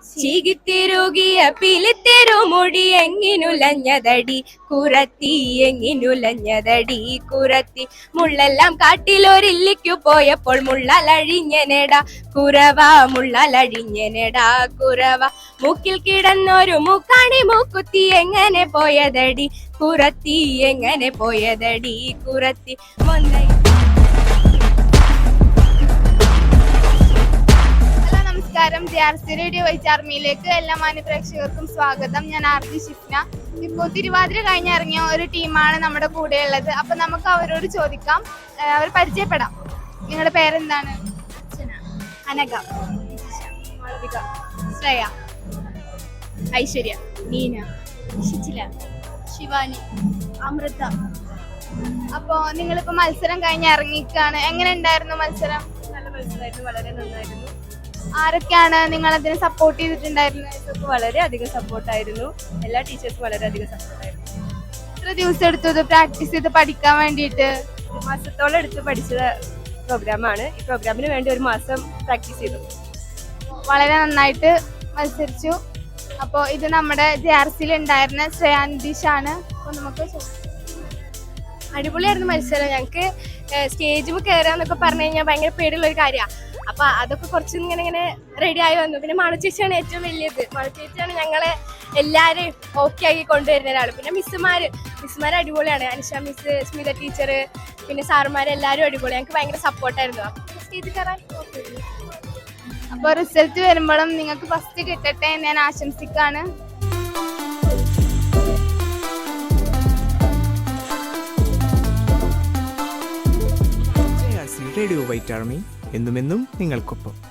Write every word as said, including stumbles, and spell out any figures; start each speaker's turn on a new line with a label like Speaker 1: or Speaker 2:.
Speaker 1: ചീകിത്തിരുകിയ പിലിത്തിരുമുടി എങ്ങിനുലഞ്ഞതടി കുറത്തി എങ്ങിനുലഞ്ഞതടി കുറത്തി മുള്ളെല്ലാം കാട്ടിലൊരില്ലിക്കു പോയപ്പോൾ മുള്ളലഴിഞ്ഞനെടാ കുറവ മുള്ളലഴിഞ്ഞനെടാ കുറവ മൂക്കിൽ കിടന്നൊരു മൂക്കാണി മൂക്കുത്തി എങ്ങനെ പോയതടി കുറത്തി എങ്ങനെ പോയതടി കുറത്തി മൊന്നൈ.
Speaker 2: നമസ്കാരം, J R C radio white ആർമിയിലേക്ക് എല്ലാ മാന്യ പ്രേക്ഷകർക്കും സ്വാഗതം. ഞാൻ ആർ ജി ഷിഫ്ന. ഇപ്പോൾ തിരുവാതിര കഴിഞ്ഞിറങ്ങിയ ഒരു ടീമാണ് നമ്മുടെ കൂടെയുള്ളത്. അപ്പൊ നമുക്ക് അവരോട് ചോദിക്കാം, അവർ പരിചയപ്പെടാം. നിങ്ങളുടെ പേരെന്താണ്?
Speaker 1: അനഘ,
Speaker 2: മാളവിക, ശ്രേയ, ഐശ്വര്യ, നീന,
Speaker 1: ശിച്ചില,
Speaker 2: ശിവാനി,
Speaker 1: അമൃത.
Speaker 2: അപ്പോ നിങ്ങളിപ്പോ മത്സരം കഴിഞ്ഞ് ഇറങ്ങിക്കാണ്. എങ്ങനെ ഉണ്ടായിരുന്നു മത്സരം?
Speaker 1: നല്ല മത്സരമായിരുന്നു, വളരെ നന്നായിരുന്നു.
Speaker 2: ആരൊക്കെയാണ് നിങ്ങൾ അതിനെ സപ്പോർട്ട് ചെയ്തിട്ടുണ്ടായിരുന്നത്?
Speaker 1: വളരെ അധികം സപ്പോർട്ടായിരുന്നു. എല്ലാ ടീച്ചേഴ്സും വളരെ അധികം സപ്പോർട്ടായിരുന്നു.
Speaker 2: എത്ര ദിവസം എടുത്തത് പ്രാക്ടീസ് ചെയ്ത് പഠിക്കാൻ വേണ്ടിയിട്ട്?
Speaker 1: ഒരു മാസത്തോളം എടുത്ത് പഠിച്ച പ്രോഗ്രാമാണ്. ഈ പ്രോഗ്രാമിന് വേണ്ടി ഒരു മാസം പ്രാക്ടീസ് ചെയ്തു.
Speaker 2: വളരെ നന്നായിട്ട് മത്സരിച്ചു. അപ്പോൾ ഇത് നമ്മുടെ ജെ ആർ സിയിൽ ഉണ്ടായിരുന്ന ശ്രേയാനിതീഷാണ്. അപ്പോൾ നമുക്ക്
Speaker 1: അടിപൊളിയായിരുന്നു മത്സരം. ഞങ്ങൾക്ക് സ്റ്റേജിൽ കയറാന്നൊക്കെ പറഞ്ഞു കഴിഞ്ഞാൽ ഭയങ്കര പേടിയുള്ള ഒരു കാര്യമാണ്. അപ്പൊ അതൊക്കെ കുറച്ച് ഇങ്ങനെ ഇങ്ങനെ റെഡി ആയി വന്നു. പിന്നെ മണു ചേച്ചിയാണ് ഏറ്റവും വലിയത്. മണു ചേച്ചിയാണ് ഞങ്ങളെ എല്ലാവരെയും ഓക്കെ ആക്കി കൊണ്ടുവരുന്ന ഒരാൾ. പിന്നെ മിസ്സുമാര് മിസ്സുമാർ അടിപൊളിയാണ്. അനിഷ മിസ്, സ്മിത ടീച്ചർ, പിന്നെ സാറുമാർ എല്ലാവരും അടിപൊളി. ഞങ്ങൾക്ക് ഭയങ്കര സപ്പോർട്ടായിരുന്നു. അപ്പൊ സ്റ്റേജിൽ കയറാൻ ഓക്കെ.
Speaker 2: അപ്പോൾ റിസൾട്ട് വരുമ്പോഴും നിങ്ങൾക്ക് ഫസ്റ്റ് കിട്ടട്ടെ എന്ന് ഞാൻ ആശംസിക്കാണ്.
Speaker 3: റേഡിയോ വൈറ്റ് ആർമി എന്നുമെന്നും നിങ്ങൾക്കൊപ്പം.